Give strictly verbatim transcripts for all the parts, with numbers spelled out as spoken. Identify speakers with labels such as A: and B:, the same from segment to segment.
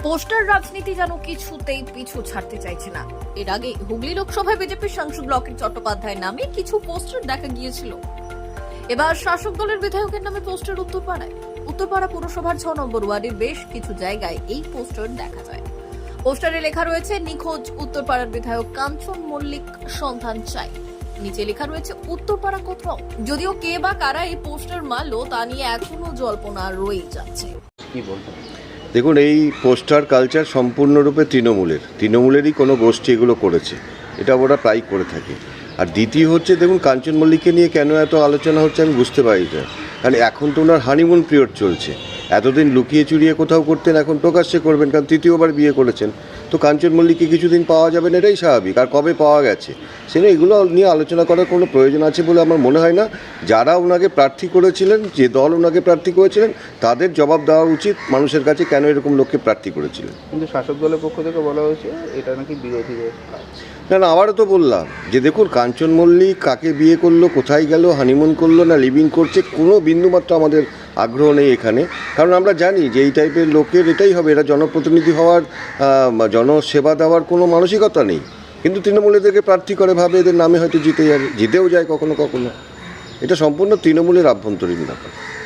A: Poster রাজনীতি যেন কিছুতেই পিছু ছাড়তে চাইছে না। এর আগে হুগলি লোকসভায় বিজেপির সাংসদ লকেট চট্টোপাধ্যায়ের নামে কিছু পোস্টার দেখা গিয়েছিল। এবার শাসক দলের বিধায়কের নামে পোস্টার উত্তরপাড়ায়। উত্তরপাড়া পুরসভার ছ নম্বর ওয়ার্ডের বেশ কিছু জায়গায় এই পোস্টার দেখা যায়। পোস্টারে লেখা রয়েছে নিখোঁজ উত্তরপাড়ার বিধায়ক কাঞ্চন মল্লিক সন্ধান চাই। নিচে লেখা রয়েছে উত্তরপাড়া কোথাও। যদিও কে বা কারা এই পোস্টার মারলো তা নিয়ে এখনো জল্পনা রয়ে যাচ্ছে।
B: কি বলবেন?
C: দেখুন, এই পোস্টার কালচার সম্পূর্ণরূপে তৃণমূলের তৃণমূলেরই কোনো গোষ্ঠী এগুলো করেছে, এটা ওরা প্রায় করে থাকে। আর দ্বিতীয় হচ্ছে, দেখুন কাঞ্চন মল্লিককে নিয়ে কেন এত আলোচনা হচ্ছে আমি বুঝতে পারি না। কারণ এখন তো ওনার হানিমুন পিরিয়ড চলছে। এতদিন লুকিয়ে চুরিয়ে কোথাও করতেন, এখন প্রকাশ্যে করবেন, কারণ তৃতীয়বার বিয়ে করেছেন। তো কাঞ্চন মল্লিককে কিছুদিন পাওয়া যাবে না, এটাই স্বাভাবিক। আর কবে পাওয়া গেছে সেটা এগুলো নিয়ে আলোচনা করার কোনো প্রয়োজন আছে বলে আমার মনে হয় না। যারা ওনাকে প্রার্থী করেছিলেন, যে দল ওনাকে প্রার্থী করেছিলেন, তাদের জবাব দেওয়া উচিত মানুষের কাছে কেন এরকম লোককে প্রার্থী করেছিলেন।
B: কিন্তু শাসক দলের পক্ষ থেকে বলা হয়েছে এটা নাকি বিরোধীদের কাজ।
C: না না, আবারও তো বললাম যে দেখুন, কাঞ্চন মল্লিক কাকে বিয়ে করলো, কোথায় গেল, হানিমুন করলো না লিভিং করছে, কোনো বিন্দুমাত্র আমাদের আগ্রহ নেই এখানে। কারণ আমরা জানি যে এই টাইপের লোকের এটাই হবে, এরা জনপ্রতিনিধি হওয়ার, জনসেবা দেওয়ার কোনো মানসিকতা নেই। কিন্তু তৃণমূল এদেরকে প্রার্থী করে, ভাবে এদের নামে হয়তো জিতে যাবে, জিতেও যায় কখনো কখনো। এটা সম্পূর্ণ তৃণমূলের আভ্যন্তরীণ ব্যাপার।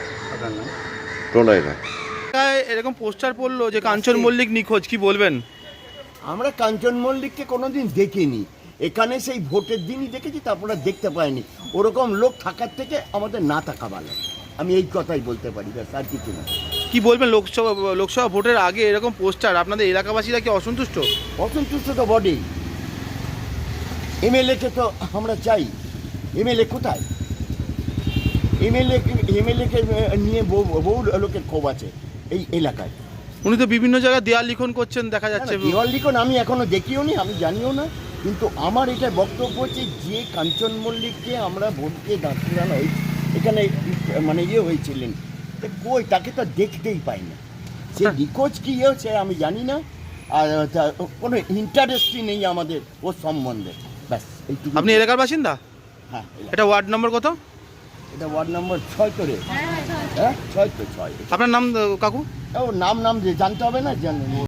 C: প্রণয় রায়
D: এরকম পোস্টার পড়লো যে কাঞ্চন মল্লিক নিখোঁজ, কি বলবেন?
E: আমরা কাঞ্চন মল্লিককে কোনোদিন দেখিনি, এখানে সেই ভোটের দিনই দেখেছি, তারপরে দেখতে পাইনি। ওরকম লোক থাকার থেকে আমাদের না থাকা ভালো, আমি এই কথাই বলতে পারি, ব্যাস আর কিছু না।
D: কি বলবেন, লোকসভা লোকসভা ভোটের আগে এরকম পোস্টার, আপনাদের এলাকাবাসীরা কি অসন্তুষ্ট?
E: অসন্তুষ্ট তো বটেই। এমএলএকে তো আমরা চাই, এমএলএ কোথায়? এমএলএ এমএলএকে নিয়ে বহু বহু লোকের ক্ষোভ আছে এই এলাকায়।
D: উনি তো বিভিন্ন জায়গায় দেয়াল লিখন করছেন দেখা যাচ্ছে।
E: দেওয়াল লিখন আমি এখনো দেখিও নি, আমি জানিও না। কিন্তু আমার এটা বক্তব্য হচ্ছে, যে কাঞ্চন মল্লিককে আমরা ভোটকে দাঁড়ানো হয়েছে এখানে, মানে ইয়ে হয়েছিলেন, কই তাকে তো দেখতেই পাই না। সে নিখোঁজ কি হয়েছে আমি জানি না, আর কোনো ইন্টারেস্টই নেই আমাদের ওর সম্বন্ধে, ব্যাস এইটুকু।
D: আপনি এলাকার বাসিন্দা?
E: হ্যাঁ।
D: এটা ওয়ার্ড নম্বর কত?
E: এটা ওয়ার্ড নম্বর ছয় তো রে। হ্যাঁ ছয় তো ছয়।
D: আপনার নাম কাকু?
E: ও নাম নাম যে জানতে হবে না, জানেন।